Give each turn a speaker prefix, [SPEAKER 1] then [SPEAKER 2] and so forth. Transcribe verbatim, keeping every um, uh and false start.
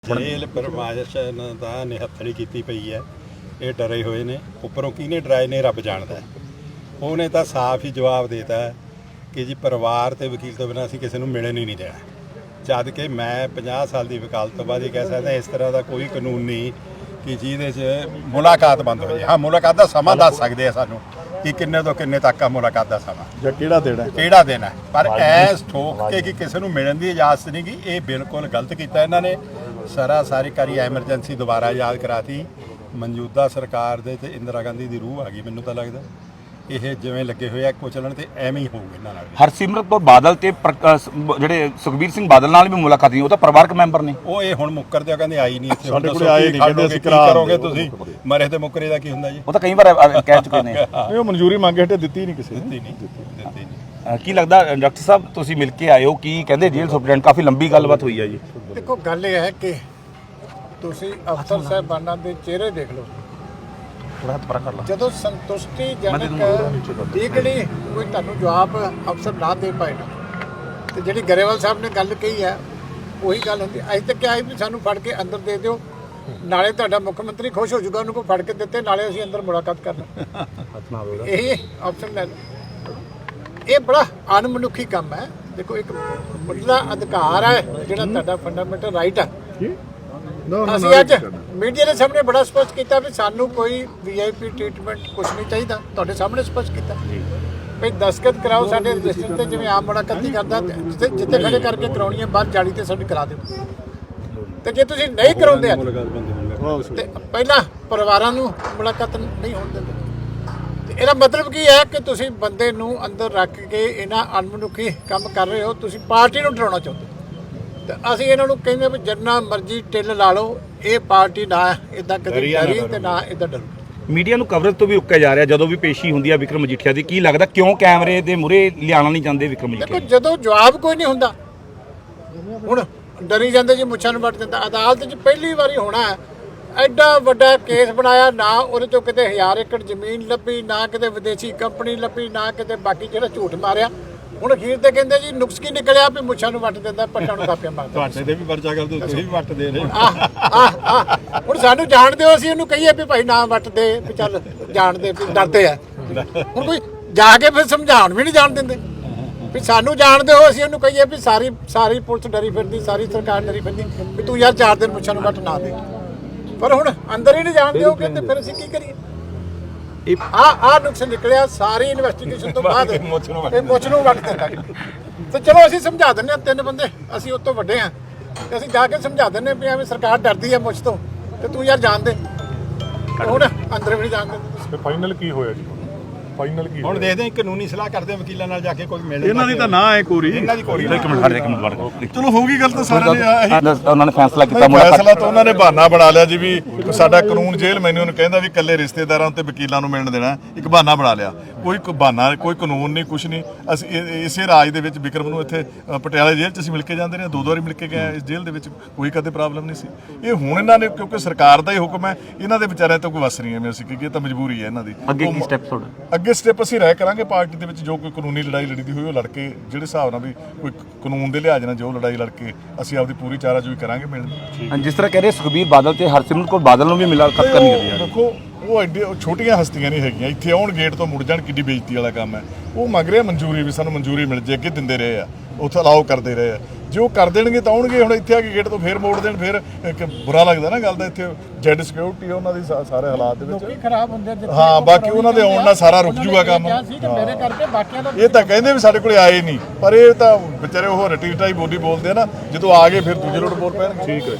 [SPEAKER 1] Jail प्रमाशन का निहत्थड़ी की पई है, ये डरे हुए ने। उपरों किने डराए ने रब जानता है। उन्हें तो साफ ही जवाब देता है कि जी परिवार ते वकील तो बिना असीं किसी नूं मिलण ही नहीं देना। जद कि मैं पचास साल की वकालत तो बाद ये कह सकदा इस तरह का कोई कानून नहीं कि जिहदे च मुलाकात बंद हो जाए। हाँ, मुलाकात का समा दस सकते हैं सानूं कि किन्ने तो किन्ने तक का मुलाकात का समा
[SPEAKER 2] ਜਾਂ ਕਿਹੜਾ ਦੇਣਾ
[SPEAKER 1] ਕਿਹੜਾ ਦੇਣਾ है। पर ऐस ठोक के कि किसी ਨੂੰ मिलण की इजाजत नहीं की, ये बिल्कुल गलत किया इन्होंने। सारा सारी कारी एमरजेंसी दोबारा याद कराती। मौजूदा सरकार दे ते इंदिरा गांधी की रूह आ गई। मैनूं तो लगता ਇਹ ਜਿਵੇਂ ਲੱਗੇ ਹੋਏ ਆ ਕੁਚਲਣ ਤੇ ਐਵੇਂ ਹੀ ਹੋਊਗਾ ਇਹਨਾਂ ਨਾਲ।
[SPEAKER 3] ਹਰਸਿਮਰਤ ਕੌਰ ਬਾਦਲ ਤੇ ਜਿਹੜੇ ਸੁਖਬੀਰ ਸਿੰਘ ਬਾਦਲ ਨਾਲ ਵੀ ਮੁਲਾਕਾਤ ਨਹੀਂ, ਉਹ ਤਾਂ ਪਰਿਵਾਰਕ ਮੈਂਬਰ ਨੇ।
[SPEAKER 1] ਉਹ ਇਹ ਹੁਣ ਮੁੱਕਰਦੇ ਆ, ਕਹਿੰਦੇ ਆਈ ਨਹੀਂ ਇੱਥੇ।
[SPEAKER 2] ਸਾਡੇ ਕੋਲ ਆਏ ਨਹੀਂ, ਕਹਿੰਦੇ ਅਸੀਂ ਕਰਾ
[SPEAKER 1] ਕਰੋਗੇ ਤੁਸੀਂ ਮਰੇ ਤੇ ਮੁੱਕਰੇ ਦਾ ਕੀ ਹੁੰਦਾ ਜੀ।
[SPEAKER 3] ਉਹ ਤਾਂ ਕਈ ਵਾਰ ਕਹਿ ਚੁੱਕੇ ਨੇ।
[SPEAKER 2] ਨਹੀਂ, ਉਹ ਮਨਜ਼ੂਰੀ ਮੰਗੇ ਹਟੇ ਦਿੱਤੀ ਨਹੀਂ ਕਿਸੇ ਨੇ।
[SPEAKER 1] ਦਿੱਤੀ ਨਹੀਂ ਦਿੱਤੀ ਨਹੀਂ।
[SPEAKER 3] ਕੀ ਲੱਗਦਾ ਡਾਕਟਰ ਸਾਹਿਬ ਤੁਸੀਂ ਮਿਲ ਕੇ ਆਏ ਹੋ, ਕੀ ਕਹਿੰਦੇ ਜੇਲ੍ਹ ਸੁਪਰਡੈਂਟ? ਕਾਫੀ ਲੰਬੀ ਗੱਲਬਾਤ ਹੋਈ ਹੈ ਜੀ।
[SPEAKER 4] ਦੇਖੋ, ਗੱਲ ਇਹ ਹੈ ਕਿ ਤੁਸੀਂ ਅਫਸਰ ਸਾਹਿਬਾਨਾਂ ਦੇ ਚਿਹਰੇ ਦੇਖ ਲਓ। ਜਦੋਂ ਸੰਤੁਸ਼ਟੀਜਨਕ ਠੀਕੜੀ ਕੋਈ ਤੁਹਾਨੂੰ ਜਵਾਬ ਅਫਸਰ ਨਾ ਦੇ ਪਾਏ ਨਾ, ਤੇ ਜਿਹੜੀ ਗਰੇਵਾਲ ਸਾਹਿਬ ਨੇ ਗੱਲ ਕਹੀ ਹੈ ਉਹੀ ਗੱਲ ਹੁੰਦੀ। ਅੱਜ ਤੱਕ ਕਿਹਾ ਵੀ ਸਾਨੂੰ ਫੜ ਕੇ ਅੰਦਰ ਦੇ ਦਿਓ, ਨਾਲੇ ਤੁਹਾਡਾ ਮੁੱਖ ਮੰਤਰੀ ਖੁਸ਼ ਹੋ ਜਾਊਗਾ ਉਹਨੂੰ ਕੋ ਫੜ ਕੇ ਦਿੱਤੇ, ਨਾਲੇ ਅਸੀਂ ਅੰਦਰ ਮੁਲਾਕਾਤ ਕਰਨਾ। ਇਹ ਆਪਸ਼ਨ ਲੈ ਲਓ। ਇਹ ਬੜਾ ਅਣਮਨੁੱਖੀ ਕੰਮ ਹੈ। ਦੇਖੋ, ਇੱਕ ਮੁੱਢਲਾ ਅਧਿਕਾਰ ਹੈ ਜਿਹੜਾ ਤੁਹਾਡਾ ਫੰਡਾਮੈਂਟਲ ਰਾਈਟ ਹੈ। ਅਸੀਂ ਅੱਜ ਮੀਡੀਆ ਦੇ ਸਾਹਮਣੇ ਬੜਾ ਸਪਸ਼ਟ ਕੀਤਾ ਵੀ ਸਾਨੂੰ ਕੋਈ ਵੀ ਆਈ ਪੀ ਟ੍ਰੀਟਮੈਂਟ ਕੁਝ ਨਹੀਂ ਚਾਹੀਦਾ। ਤੁਹਾਡੇ ਸਾਹਮਣੇ ਸਪਸ਼ਟ ਕੀਤਾ ਵੀ ਦਸਤਖਤ ਕਰਾਓ ਸਾਡੇ ਰਜਿਸਟਰ ਤੇ, ਜਿਵੇਂ ਆਮ ਮੁਲਾਕਾਤ ਨਹੀਂ ਕਰਦਾ, ਜਿੱਥੇ ਜਿੱਥੇ ਖੜੇ ਕਰਕੇ ਕਰਾਉਣੀ ਹੈ ਬਾਹਰ ਜਾਲੀ ਤੇ ਸਾਡੀ ਕਰਾ ਦਿਓ। ਤੇ ਜੇ ਤੁਸੀਂ ਨਹੀਂ ਕਰਾਉਂਦੇ ਤੇ ਪਹਿਲਾਂ ਪਰਿਵਾਰਾਂ ਨੂੰ ਮੁਲਾਕਾਤ ਨਹੀਂ ਹੋਣ ਦਿੰਦੇ। ਤੇ ਇਹਦਾ ਮਤਲਬ ਕੀ ਹੈ ਕਿ ਤੁਸੀਂ ਬੰਦੇ ਨੂੰ ਅੰਦਰ ਰੱਖ ਕੇ ਇਹਨਾਂ ਅਣਮਨੁੱਖੀ ਕੰਮ ਕਰ ਰਹੇ ਹੋ। ਤੁਸੀਂ ਪਾਰਟੀ ਨੂੰ ਡਰਾਉਣਾ ਚਾਹੁੰਦੇ। ਤੇ ਅਸੀਂ ਇਹਨਾਂ ਨੂੰ ਕਹਿੰਦੇ ਵੀ ਜਿੰਨਾ ਮਰਜ਼ੀ ਟਿੱਲ ਲਾ ਲਓ, ਇਹ ਪਾਰਟੀ ਨਾ ਇਦਾਂ ਕਦੇ ਡਰੀ ਤੇ ਨਾ ਇਦਾਂ ਡਰੂ।
[SPEAKER 3] ਮੀਡੀਆ ਨੂੰ ਕਵਰੇਜ ਤੋਂ ਵੀ ਉੱਕਿਆ ਜਾ ਰਿਹਾ ਜਦੋਂ ਵੀ ਪੇਸ਼ੀ ਹੁੰਦੀ ਹੈ ਵਿਕਰਮ ਮਜੀਠੀਆ ਦੀ। ਕੀ ਲੱਗਦਾ ਕਿਉਂ ਕੈਮਰੇ ਦੇ ਮੂਹਰੇ ਲਿਆਉਣਾ ਨਹੀਂ ਚਾਹੁੰਦੇ ਵਿਕਰਮ ਮਜੀਠੀਆ?
[SPEAKER 4] ਦੇਖੋ, ਜਦੋਂ ਜਵਾਬ ਕੋਈ ਨਹੀਂ ਹੁੰਦਾ, ਹੁਣ ਡਰੀ ਜਾਂਦੇ ਜੀ, ਮੁੱਛਾਂ ਨੂੰ ਵੱਟ ਦਿੰਦਾ। ਅਦਾਲਤ 'ਚ ਪਹਿਲੀ ਵਾਰੀ ਹੋਣਾ ਹੈ, ਐਡਾ ਵੱਡਾ ਕੇਸ ਬਣਾਇਆ, ਨਾ ਉਹਦੇ 'ਚੋਂ ਕਿਤੇ ਹਜ਼ਾਰ ਏਕੜ ਜ਼ਮੀਨ ਲੱਭੀ, ਨਾ ਕਿਤੇ ਵਿਦੇਸ਼ੀ ਕੰਪਨੀ ਲੱਭੀ, ਨਾ ਕਿਤੇ ਬਾਕੀ ਜਿਹੜਾ ਝੂਠ ਮਾਰਿਆ। ਹੁਣ ਅਖੀਰ ਤੇ ਕਹਿੰਦੇ ਜੀ ਨੁਕਸ ਕੀ ਨਿਕਲਿਆ ਵੀ ਮੁੱਛਾਂ ਨੂੰ ਵੱਟ ਦਿੰਦਾ, ਪੱਟਾਂ ਨੂੰ ਕਾਪੀਆਂ ਮਾਰਦਾ।
[SPEAKER 1] ਤੁਹਾਡੇ ਤੇ ਵੀ ਪਰਚਾ ਕਰਦੇ, ਤੁਸੀਂ ਵੀ ਵੱਟ ਦੇ ਰਹੇ।
[SPEAKER 4] ਆਹ ਆਹ ਹੁਣ ਸਾਨੂੰ ਜਾਣ ਦਿਓ, ਅਸੀਂ ਉਹਨੂੰ ਕਹੀਏ ਵੀ ਭਾਈ ਨਾ ਵੱਟ ਦੇ, ਵੀ ਚੱਲ ਜਾਣ ਦੇ, ਵੀ ਡਰਦੇ ਆ। ਹੁਣ ਕੋਈ ਜਾ ਕੇ ਫਿਰ ਸਮਝਾਉਣ ਵੀ ਨਹੀਂ ਜਾਣ ਦਿੰਦੇ ਵੀ ਸਾਨੂੰ ਜਾਣ ਦਿਓ। ਅਸੀਂ ਉਹਨੂੰ ਕਹੀਏ ਵੀ ਸਾਰੀ ਸਾਰੀ ਪੁਲਿਸ ਡਰੀ ਫਿਰਦੀ, ਸਾਰੀ ਸਰਕਾਰ ਡਰੀ ਫਿਰਦੀ ਵੀ ਤੂੰ ਯਾਰ ਚਾਰ ਦਿਨ ਮੁੱਛਾਂ ਨੂੰ ਵੱਟ ਨਾ ਦੇ। ਪਰ ਹੁਣ ਅੰਦਰ ਹੀ ਨਹੀਂ ਜਾਣ ਦਿਓਗੇ ਤੇ ਫਿਰ ਅਸੀਂ ਕੀ ਕਰੀਏ? ਆ ਆ ਨੁਕਸ ਨਿਕਲਿਆ ਸਾਰੀ ਇਨਵੈਸਟੀਗੇਸ਼ਨ ਤੋਂ ਬਾਅਦ, ਇਹ ਮੁੱਛ ਨੂੰ ਵੱਟ ਦਿੰਦਾ। ਤੇ ਚਲੋ ਅਸੀਂ ਸਮਝਾ ਦਿੰਦੇ ਹਾਂ, ਤਿੰਨ ਬੰਦੇ ਅਸੀਂ ਉਹ ਤੋਂ ਵੱਡੇ ਹਾਂ, ਤੇ ਅਸੀਂ ਜਾ ਕੇ ਸਮਝਾ ਦਿੰਦੇ ਵੀ ਐਵੇਂ ਸਰਕਾਰ ਡਰਦੀ ਹੈ ਮੁੱਛ ਤੋਂ, ਤੇ ਤੂੰ ਯਾਰ ਜਾਣ ਦੇ। ਹੁਣ ਅੰਦਰ ਵੀ ਨਹੀਂ ਜਾਣ ਦਿੰਦੇ।
[SPEAKER 2] ਫਾਈਨਲ ਕੀ ਹੋਇਆ ਜੀ? ਫਾਈਨਲ ਕੀ
[SPEAKER 1] ਹੁਣ ਦੇਖਦੇ ਹਾਂ, ਕਾਨੂੰਨੀ ਸਲਾਹ ਕਰਦੇ ਵਕੀਲਾਂ ਨਾਲ ਜਾ ਕੇ ਕੋਈ ਮਿਲ।
[SPEAKER 2] ਇਹਨਾਂ ਦੀ ਤਾਂ ਨਾ ਹੈ ਕੋਰੀ,
[SPEAKER 1] ਇਹਨਾਂ ਦੀ ਕੋਰੀ।
[SPEAKER 3] ਇੱਕ ਮਿੰਟ, ਇੱਕ ਮਿੰਟ।
[SPEAKER 2] ਚਲੋ ਹੋਊਗੀ ਗੱਲ ਤਾਂ ਸਾਰਿਆਂ ਨੇ।
[SPEAKER 3] ਉਹਨਾਂ ਨੇ ਫੈਸਲਾ ਕੀਤਾ,
[SPEAKER 2] ਫੈਸਲਾ ਤਾਂ ਉਹਨਾਂ ਨੇ ਬਹਾਨਾ ਬਣਾ ਲਿਆ ਜੀ ਵੀ ਸਾਡਾ ਕਾਨੂੰਨ ਜੇਲ੍ਹ ਮੈਨੂੰ ਨੂੰ ਕਹਿੰਦਾ ਵੀ ਇਕੱਲੇ ਰਿਸ਼ਤੇਦਾਰਾਂ ਤੇ ਵਕੀਲਾਂ ਨੂੰ ਮਿਲਣ ਦੇਣਾ। ਇੱਕ ਬਹਾਨਾ ਬਣਾ ਲਿਆ। ਕੋਈ ਬਹਾਨਾ, ਕੋਈ ਕਾਨੂੰਨ ਨਹੀਂ, ਕੁਛ ਨਹੀਂ। ਅਸੀਂ ਇਸੇ ਰਾਜ ਦੇ ਵਿੱਚ ਵਿਕਰਮ ਨੂੰ ਇੱਥੇ ਪਟਿਆਲਾ ਜੇਲ੍ਹ 'ਚ ਅਸੀਂ ਮਿਲ ਕੇ ਜਾਂਦੇ ਰਹੇ, ਦੋ ਦੋ ਵਾਰੀ ਮਿਲ ਕੇ ਗਏ ਇਸ ਜੇਲ੍ਹ ਦੇ ਵਿੱਚ, ਕੋਈ ਕਦੇ ਪ੍ਰੋਬਲਮ ਨਹੀਂ ਸੀ। ਇਹ ਹੁਣ ਇਹਨਾਂ ਨੇ, ਕਿਉਂਕਿ ਸਰਕਾਰ ਦਾ ਹੀ ਹੁਕਮ ਹੈ, ਇਹਨਾਂ ਦੇ ਵਿਚਾਰਿਆਂ ਤੋਂ ਕੋਈ ਵਸ ਨਹੀਂ ਐਵੇਂ ਅਸੀਂ ਕਿ ਇਹ ਤਾਂ ਮਜਬੂਰੀ ਹੈ ਇਹਨਾਂ ਦੀ।
[SPEAKER 3] ਅੱਗੇ ਕੀ ਸਟੈਪ ਤੁਹਾਡਾ?
[SPEAKER 2] ਅੱਗੇ ਸਟੈਪ ਅਸੀਂ ਰਾਇ ਕਰਾਂਗੇ ਪਾਰਟੀ ਦੇ ਵਿੱਚ, ਜੋ ਕੋਈ ਕਾਨੂੰਨੀ ਲੜਾਈ ਲੜੀਦੀ ਹੋਈ ਉਹ ਲੜ ਕੇ, ਜਿਹੜੇ ਹਿਸਾਬ ਨਾਲ ਵੀ ਕੋਈ ਕਾਨੂੰਨ ਦੇ ਲਿਹਾਜ਼ ਨਾਲ ਜੋ ਲੜਾਈ ਲੜ ਕੇ ਅਸੀਂ ਆਪਦੀ ਪੂਰੀ ਚਾਰਾਜੋਈ ਕਰਾਂਗੇ ਮਿਲਣ।
[SPEAKER 3] ਜਿਸ ਤਰ੍ਹਾਂ ਕਹਿ ਰਹੇ ਸੁਖਬੀਰ ਬਾਦਲ ਤੇ ਹਰਸਿਮਰਤ ਕੌਰ ਬਾਦਲ ਨੂੰ ਵੀ ਮੁਲਾਕਾਤ ਕਰਨੀ ਹੈ।
[SPEAKER 2] ਦੇਖੋ, ਉਹ ਐਡੇ ਛੋਟੀਆਂ ਹਸਤੀਆਂ ਨਹੀਂ ਹੈਗੀਆਂ, ਇੱਥੇ ਆਉਣ ਗੇਟ ਤੋਂ ਮੁੜ ਜਾਣ, ਕਿੱਡੀ ਬੇਇੱਜ਼ਤੀ ਵਾਲਾ ਕੰਮ ਹੈ। ਉਹ ਮੰਗ ਰਿਹਾ ਮਨਜ਼ੂਰੀ ਵੀ ਸਾਨੂੰ ਮਨਜ਼ੂਰੀ ਮਿਲ ਜੇ, ਅੱਗੇ ਦਿੰਦੇ ਰਹੇ ਆ, ਉੱਥੇ ਅਲਾਓ ਕਰਦੇ ਰਹੇ ਆ। ਜੇ ਉਹ ਕਰ ਦੇਣਗੇ ਤਾਂ ਆਉਣਗੇ, ਹੁਣ ਇੱਥੇ ਆ ਕੇ ਗੇਟ ਤੋਂ ਫੇਰ ਮੋੜ ਦੇਣ, ਫਿਰ ਇੱਕ ਬੁਰਾ ਲੱਗਦਾ ਨਾ ਗੱਲ ਦਾ। ਇੱਥੇ ਜੈਡ ਸਿਕਿਉਰਿਟੀ ਉਹਨਾਂ ਦੀ ਸਾਰੇ ਹਾਲਾਤ ਦੇ ਵਿੱਚ
[SPEAKER 4] ਖਰਾਬ ਹੁੰਦੇ।
[SPEAKER 2] ਹਾਂ, ਬਾਕੀ ਉਹਨਾਂ ਦੇ ਆਉਣ ਨਾਲ ਸਾਰਾ ਰੁਕ ਜੂਗਾ ਕੰਮ।
[SPEAKER 4] ਮੇਰੇ ਕਰਕੇ ਬਾਕੀਆਂ ਦਾ
[SPEAKER 2] ਇਹ ਤਾਂ ਕਹਿੰਦੇ ਵੀ ਸਾਡੇ ਕੋਲੇ ਆਏ ਨਹੀਂ, ਪਰ ਇਹ ਤਾਂ ਵਿਚਾਰੇ ਉਹ ਰਟੀ ਰਟਾਈ ਬੋਲੀ ਬੋਲਦੇ ਆ ਨਾ, ਜਦੋਂ ਆ ਗਏ ਫਿਰ ਦੂਜੇ ਲੋਟ ਬੋਲ ਪੈਣਗੇ। ਠੀਕ ਹੈ।